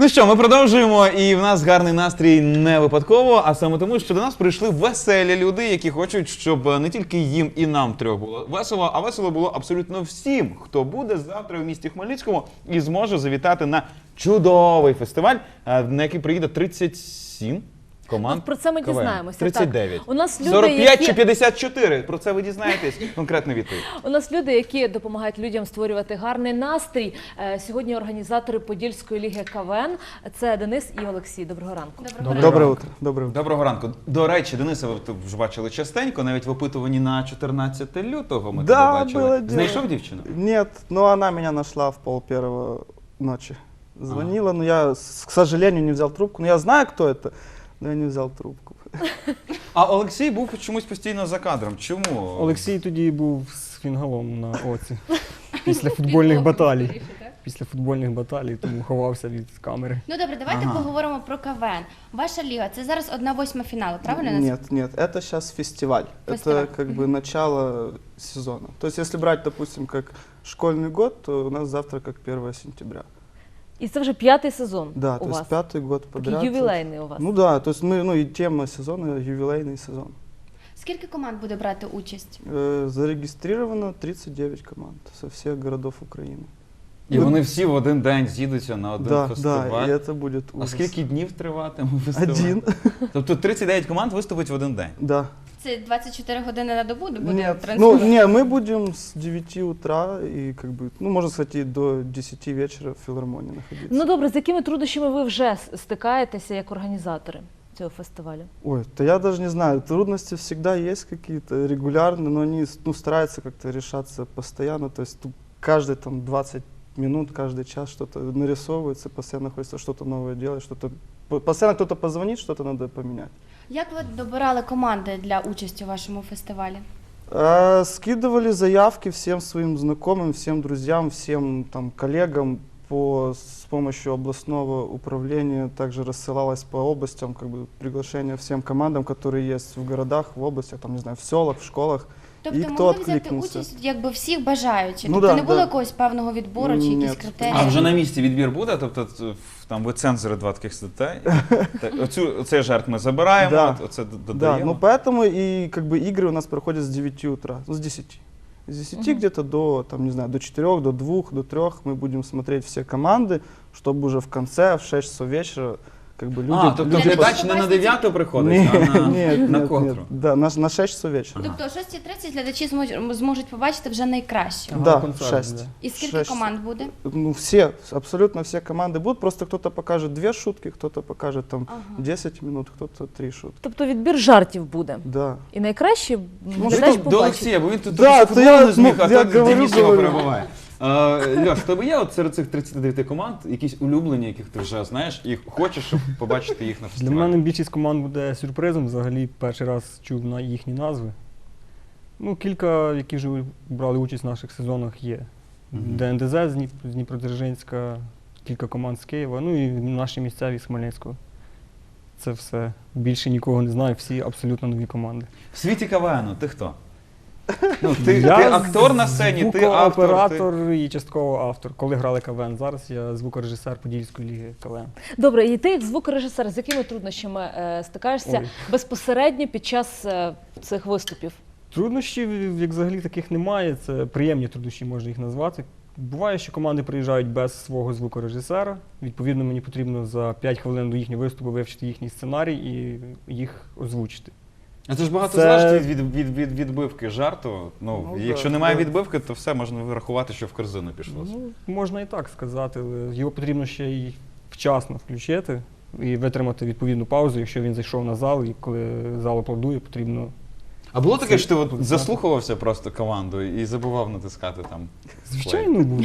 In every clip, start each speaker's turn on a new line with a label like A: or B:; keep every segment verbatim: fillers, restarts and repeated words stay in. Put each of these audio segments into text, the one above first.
A: Ну що, ми продовжуємо, і в нас гарний настрій не випадково, а саме тому, що до нас прийшли веселі люди, які хочуть, щоб не тільки їм і нам трьох було весело, а весело було абсолютно всім, хто буде завтра в місті Хмельницькому і зможе завітати на чудовий фестиваль, на який приїде тридцять сім команд.
B: От про це ми
A: КВН.
B: дізнаємося.
A: тридцять дев'ять.
B: Так. У нас люди,
A: сорок п'ять
B: які...
A: чи п'ятдесят чотири? Про це ви дізнаєтесь. Конкретну відповідь.
B: У нас люди, які допомагають людям створювати гарний настрій. Сьогодні організатори Подільської ліги КВН. Це Денис і Олексій. Доброго ранку.
C: Доброго, Доброе утро. Доброе утро.
A: Доброго ранку. До речі, Дениса ви вже бачили частенько, навіть в опитуванні на чотирнадцяте лютого ми
C: Да,
A: тебе бачили.
C: было дело.
A: Знайшов дівчину?
C: Нет, но она меня нашла в пол первого ночи. Звонила, а. но я, к сожалению, не взял трубку. Но я знаю, кто это, но я не взял трубку.
A: А Олексій був чомусь постійно за кадром. Чому?
D: Олексій тоді був з фінгалом на оці. Після футбольних баталій. Після футбольних баталій, тому ховався від камери.
E: Ну добре, давайте
A: Ага.
E: поговоримо про КВН. Ваша ліга, це зараз одна восьма фіналу, правильно? я називаю?
C: Нет, нет, это сейчас фестиваль.
E: Фестиваль.
C: Это как бы начало сезона. То есть если брать, допустим, как школьный год, то у нас завтра как первое сентября.
B: І це вже п'ятий сезон
C: Да,
B: у
C: то
B: вас.
C: есть пятый год подряд.
B: Такий ювілейний у вас.
C: Ну да, то есть мы, ну и тема сезона ювілейний сезон.
E: Скільки команд буде брати участь?
C: Э, Зарегистрировано тридцать девять команд со всех городов Украины.
A: І вони всі в один день з'їдуться на один
C: Да,
A: фестиваль.
C: да, и это будет
A: А
C: ужас.
A: скільки днів триватиме фестиваль?
C: Один.
A: Тобто тридцять дев'ять команд виступить в один день?
C: Да.
E: Це двадцять чотири години на добу буде
C: Нет, ну,
E: транслювати?
C: не, мы будем с девяти утра и как бы, ну, можно сказать, и до десяти вечера в филармонии находиться.
B: Ну добре, з якими труднощами ви вже стикаєтеся як організатори цього фестивалю?
C: Ой, да я даже не знаю, трудности всегда есть какие-то регулярные, но они, ну, стараются как-то решаться постоянно, то есть тут каждые там двадцать минут, каждый час что-то нарисовывается, постоянно хочется что-то новое делать, что-то, постоянно кто-то позвонит, что-то надо поменять.
E: Як ви добирали команди для участі у вашому фестивалі?
C: А, скидывали заявки всем своим знакомым, всем друзьям, всем там коллегам по, с помощью областного управления. Также рассылалось по областям как бы приглашение всем командам, которые есть в городах, в областях, там, не знаю, в селах, в школах.
E: Тобто
C: І хто
E: могли взяти
C: відкликнувся?
E: участь якби всіх бажаючих?
C: Ну
E: тобто
C: да,
E: не було
C: да.
E: якогось певного відбору чи якісь
C: Ні.
E: критерії?
A: А вже на місці відбір буде? Тобто т- там ви цензори два таких сидите? Так, оцю, оцей жарт ми забираємо,
C: Да.
A: оце д-
C: Да,
A: додаємо?
C: ну поэтому и как бы игры у нас проходят с девяти утра, ну, с десяти. С десяти
B: Мгм.
C: где-то до, там, не знаю, до четырёх, до двух, до трёх мы будем смотреть все команды, чтобы уже в конце, в шесть часов вечера, как бы люди...
A: А, тобто
C: люди
E: Для
A: глядач
E: того,
A: не на
E: щоб
A: дев'яту приходить,
C: Ні,
A: а на,
C: ні,
A: на
C: ні,
A: котру?
C: ні. Да, на, на шесть часов вечера.
E: Тобто о шостій тридцять глядачі зможуть, зможуть побачити вже найкраще.
C: Да,
D: концерт
C: шесть.
D: буде.
E: І скільки
C: Шесть.
E: команд буде?
C: Ну, все, абсолютно все команды будут, просто кто-то покажет две шутки, кто-то покажет там
E: Ага.
C: десять минут, кто-то три шутки.
B: Тобто відбір жартів буде.
C: Да.
B: І найкраще
A: Ви
B: глядач
A: тут до
B: побачить.
A: Олексія, бо він тут
C: Да,
A: трохи
C: то
A: футболу
C: я,
A: не зміг,
C: ну,
A: а
C: я
A: тут
C: говорю,
A: Денис його
C: говорю.
A: перебуває. Е, Льош, в тебе є от серед цих тридцяти дев'яти команд якісь улюблені, яких ти вже знаєш, і хочеш, щоб побачити їх на
D: Для
A: фестивалі?
D: мене більшість команд буде сюрпризом. Взагалі перший раз чув на їхні назви. Ну, кілька, які вже брали участь в наших сезонах, є.
A: Мгм.
D: ДНДЗ з Дніп- з Дніпродзержинська, кілька команд з Києва, ну і наші місцеві з Хмельницького. Це все. Більше нікого не знаю, всі абсолютно нові команди.
A: В світі КВНу ти хто? Ну, ти,
D: Я
A: ти актор на сцені, ти автор. Ти...
D: звукооператор і частково автор. Коли грали КВН, зараз я звукорежисер Подільської ліги КВН.
B: Добре, і ти як звукорежисер, з якими труднощами е, стикаєшся
D: Ой.
B: безпосередньо під час е, цих виступів?
D: Труднощів, як взагалі, таких немає. Це приємні труднощі, можна їх назвати. Буває, що команди приїжджають без свого звукорежисера. Відповідно, мені потрібно за п'ять хвилин до їхнього виступу вивчити їхній сценарій і їх озвучити.
A: А це ж багато
D: Це-
A: залежить від, від, від відбивки жарту. Ну,
C: Ну,
A: якщо
C: да,
A: немає
C: да.
A: відбивки, то все можна вирахувати, що в корзину пішло.
D: Ну, можна і так сказати, але його потрібно ще й вчасно включити і витримати відповідну паузу, якщо він зайшов на зал, і коли зал аплодує, потрібно.
A: А було таке,
D: Це-
A: що ти от заслухувався просто команду і забував натискати там?
D: Звичайно, буде.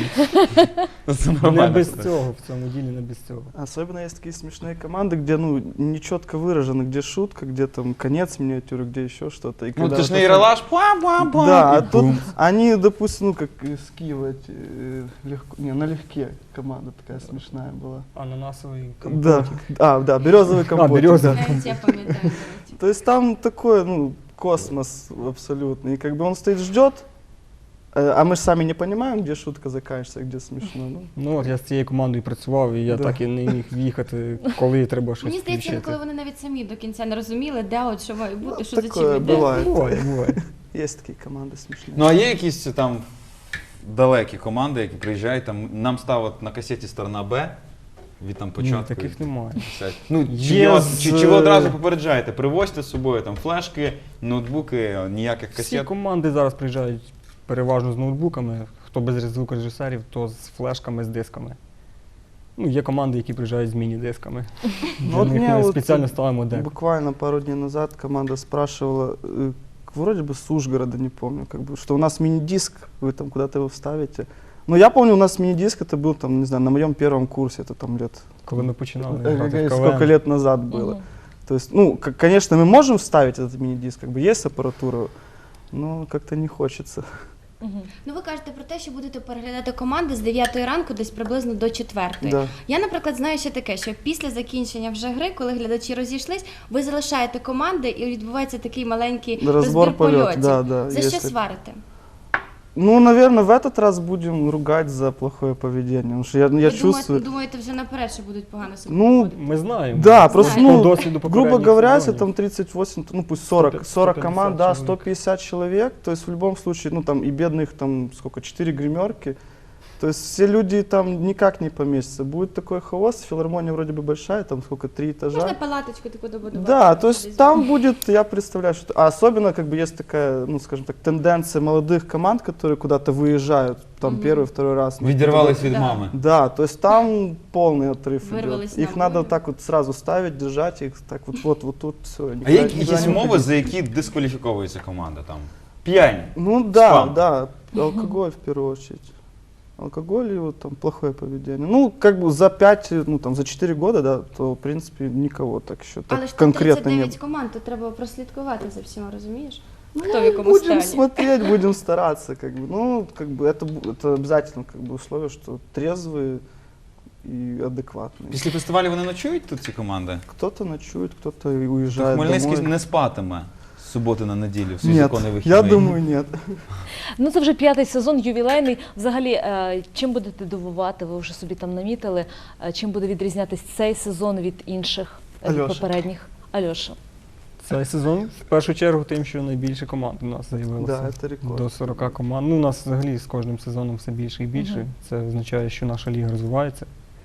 A: Це
D: Не
A: нормально.
D: без цього, в цьому ділі не без цього.
C: Особенно есть такие смешные команды, где, ну, нечетко выражено, где шутка, где там конец миниатюры, где еще что-то. И
A: Ну,
C: когда
A: ти ж
C: вот
A: не
C: это-
A: ералаш, па-па-па.
C: Да, а
A: і
C: тут
A: бум.
C: они, допустим, ну, как из Киева, эти, э, легко, не, налегке команда такая смешная была.
D: Ананасовий
C: Да,
D: компотик.
C: а, да, березовый компот.
D: березовый.
E: Навіть я пам'ятаю. до речі.
C: То есть там такое, ну, космос абсолютно. И как бы он стоит, ждет, Э, А мы же сами не понимаем, где шутка заканчивается, где смешно. Ну,
D: Ну, от я з цією командою працював, і я
C: Да.
D: так і не міг в'їхати, коли треба щось
E: Мені здається,
D: включити.
E: коли вони навіть самі до кінця не розуміли, де от що має бути,
C: Ну,
E: що за чим
C: такое
E: йде.
C: бывает.
D: Буває, буває.
C: Есть такие команды смешные.
A: Ну а є якісь там далекі команди, які приїжджають, там нам ставить на касеті сторона Б від там
D: Ні,
A: початку.
D: таких немає.
A: Ну, чи,
D: Є
A: його-
D: з-
A: чи, чи ви одразу попереджаєте, привозьте з собою там флешки, ноутбуки, ніяких
D: Всі
A: касет.
D: команди зараз приїжджають переважно з ноутбуками, хто без звукорежисерів, то з флешками, з дисками. Ну, є команди, які приїжджають з міні-дисками. Для
C: вот
D: них
C: мне
D: ми
C: вот
D: спеціально ставимо дек.
C: Буквально пару дней назад команда спрашивала, э, вроде бы с Ужгорода, не помню, как бы, что у нас мини-диск, вы там куда-то его вставите. Но я помню, у нас мини-диск это был там, не знаю, на моем первом курсе, это там лет,
D: Коли ми починали
C: э,
D: грати в
C: сколько
D: КВН.
C: лет назад было.
B: Мгм.
C: То есть, ну, к- конечно, мы можем вставить этот мини-диск, как бы есть аппаратура, но как-то не хочется.
B: Мгм.
E: Ну ви кажете про те, що будете переглядати команди з дев'ятої ранку десь приблизно до четвертої.
C: Да.
E: Я, наприклад, знаю ще таке, що після закінчення вже гри, коли глядачі розійшлись, ви залишаєте команди і відбувається такий маленький
C: Розбор
E: розбір
C: польотів,
E: польотів.
C: да, да,
E: За
C: є
E: що
C: таке.
E: сварите?
C: Ну, наверное, в этот раз будем ругать за плохое поведение, потому что я, я
E: Ви думаєте,
C: чувствую...
E: думаєте вже наперед, що будуть погано себе
C: Ну,
E: поводити?
D: Ми знаємо.
C: Да, просто,
E: Знаємо.
C: ну,
D: По досвіду
C: грубо
D: попередніх
C: говоря, если
D: сезонів.
C: там тридцать восемь, ну пусть сорок,
D: сто
C: сорок
D: пятьдесят
C: команд, да,
D: человек.
C: сто пятьдесят человек, то есть в любом случае, ну там и бедных там сколько, четыре гримерки, то есть все люди там никак не поместятся. Будет такой хаос, филармония вроде бы большая, там сколько, три этажа.
E: Можна палаточку таку добудувати?
C: Да, то
E: Десь.
C: есть там будет, я представляю, что... А особенно, как бы, есть такая, ну, скажем так, тенденция молодых команд, которые куда-то выезжают, там,
E: Мгм.
C: первый, второй раз.
A: Відірвались від
E: Да.
A: мами.
C: Да, то есть там полный отрыв
E: Вырвались
C: идет.
E: на
C: Их надо
E: волю.
C: так вот сразу ставить, держать их, так вот, вот, вот тут все.
A: А є якісь умови, за які дискваліфіковується команда там? П'янь.
C: Ну да,
A: Спам.
C: да, алкоголь в первую очередь. Алкоголь и вот там плохое поведение. Ну, как бы за пять, ну там за четыре года, да, то в принципе никого так еще так
E: Але ж тут
C: конкретно
E: тридцять
C: не
E: дев'ять
C: было.
E: команд, тут треба прослідкувати за всіма, розумієш?
C: Ну,
E: Хто в якому
C: будем
E: стані?
C: смотреть, будем стараться, как бы. Ну, как бы это, бу- это обязательно как бы условие, что трезвые и адекватные.
A: Після фестивалю вони ночують тут ці команди?
C: Кто-то ночует, кто-то и
A: То
C: уезжает
A: Хмельницький
C: домой.
A: не спатиме з суботи на неділю, в свій
C: Нет,
A: законний вихідний.
C: я думаю, нет.
B: Ну це вже п'ятий сезон, ювілейний. Взагалі, е, чим будете дивувати? Ви вже собі там намітили. Е, Чим буде відрізнятись цей сезон від інших е, від
C: Альоша.
B: попередніх? Альоша.
D: Цей сезон в першу чергу тим, що найбільше команд у нас з'явилося.
C: Да, это рекорд.
D: До сорока команд. Ну, у нас взагалі з кожним сезоном все більше і більше.
B: Мгм.
D: Це означає, що наша ліга розвивається.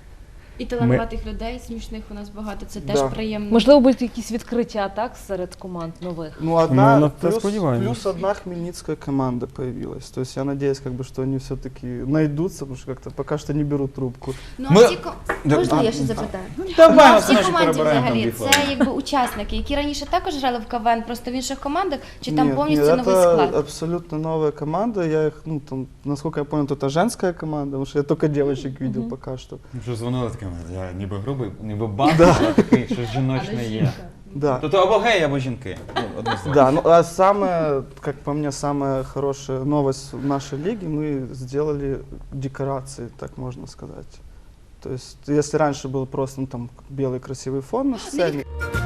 E: І талановитих людей, смішних у нас багато, це теж
C: Да.
E: приємно.
B: Можливо, будуть якісь відкриття так серед команд нових.
C: Ну, одна,
D: на это
C: плюс,
D: сподеваемся.
C: плюс одна хмельницкая команда появилась. То есть я надеюсь, как бы, что они все-таки найдутся, потому что как-то пока что не берут трубку.
E: Ну, а
A: Ми-
E: ці ко-
A: Да,
E: Можна
A: а,
E: я ще запитаю?
A: Давай,
E: А
A: ми
E: в цій
A: все наші
E: команді
A: перебираємо там
E: взагалі
A: дві
E: це
A: хвилини.
E: якби учасники, які раніше також грали в КВН, просто в інших командах, чи там
C: Нет,
E: повністю
C: нет,
E: новий
C: это
E: склад?
C: абсолютно новая команда. Я их, ну, там, насколько я понял, это женская команда, потому что я только девочек видел
B: Мгм.
C: пока что.
A: Що дзвонили такими, я ніби грубий, ніби банд, а такий, що жіночне є.
C: Да.
A: Тобто або геї, або жінки. Ну, однозначно.
C: Да, ну а самое, как по мне, самая хорошая новость в нашей лиге, мы сделали декорации, так можно сказать. То есть, если раньше был просто ну, там белый красивый фон на сцене,